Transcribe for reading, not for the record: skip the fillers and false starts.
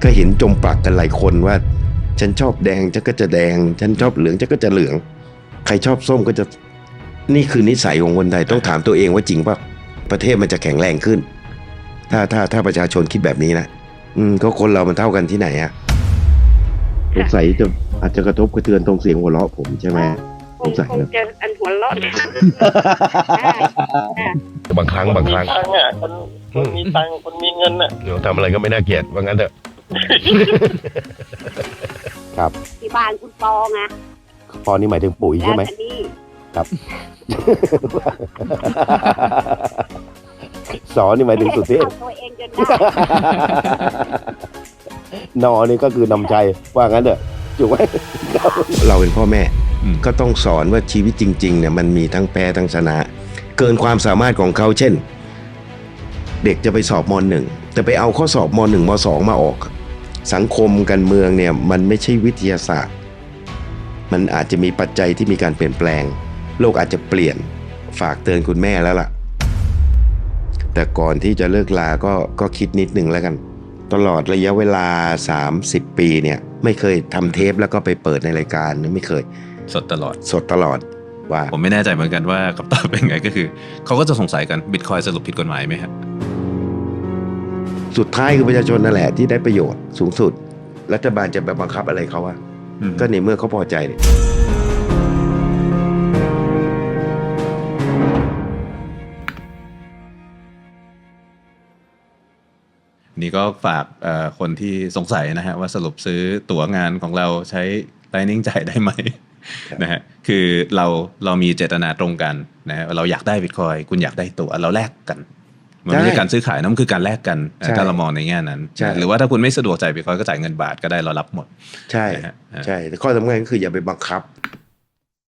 ก็เห็นจมปลักกันหลายคนว่าฉันชอบแดงฉันก็จะแดงฉันชอบเหลืองฉันก็จะเหลืองใครชอบส้มก็จะนี่คือนิสัยของคนไทยต้องถามตัวเองว่าจริงป่ะประเทศมันจะแข็งแรงขึ้นถ้าประชาชนคิดแบบนี้นะก็คนเรามันเท่ากันที่ไหนอะสงสัยอาจจะกระทบกระเทือนตรงเสียงหัวเราะผมใช่ไหมสงสัยคงจะอันหัวเราะบางครั้งคนมีตังค์อ่ะคนมีตังค์คนมีเงินอ่ะทำอะไรก็ไม่น่าเกลียดว่างั้นเถอะ ครับที่บ้านคุณปอไงพอนี่หมายถึงปุ๋ยใช่ไหมแล้วนี่ครับ สอนี่หมายถึงสุเทพเอาตัวเองจนได้นอนี่ก็คือนำใจว่างั้นเถอะถูกไหมเราเป็นพ่อแม่ก็ต้องสอนว่าชีวิตจริงๆเนี่ยมันมีทั้งแพ้ทั้งชนะ เกินความสามารถของเขาเช่น เด็กจะไปสอบม .1 แต่ไปเอาข้อสอบม .1 ม .2 มาออก สังคมการเมืองเนี่ยมันไม่ใช่วิทยาศาสตร์มันอาจจะมีปัจจัยที่มีการเปลี่ยนแปลงโลกอาจจะเปลี่ยนฝากเตือนคุณแม่แล้วล่ะแต่ก่อนที่จะเลิกลาก็คิดนิดนึงแล้วกันตลอดระยะเวลา30 ปีเนี่ยไม่เคยทำเทปแล้วก็ไปเปิดในรายการไม่เคยสดตลอดว่าผมไม่แน่ใจเหมือนกันว่าคำตอบเป็นไงก็คือเขาก็จะสงสัยกันบิตคอยสรุปผิดกฎหมายไหมครับสุดท้ายคือประชาชนนั่นแหละที่ได้ประโยชน์สูงสุดรัฐบาลจะไปบังคับอะไรเขาอะก็ในเมื่อเขาพอใจเนี่ยนี่ก็ฝากคนที่สงสัยนะฮะว่าสรุปซื้อตั๋วงานของเราใช้ Lightning จ่ายได้ไหมนะฮะคือเรามีเจตนาตรงกันนะฮะเราอยากได้บิตคอยคุณอยากได้ตั๋วเราแลกกันมันไม่ใช่การซื้อขายนะมันคือการแลกกันถ้าเรามองในแง่นั้นหรือว่าถ้าคุณไม่สะดวกจ่ายบิตคอยก็จ่ายเงินบาทก็ได้เรารับหมดใช่แต่ข้อสำคัญก็คืออย่าไปบังคับ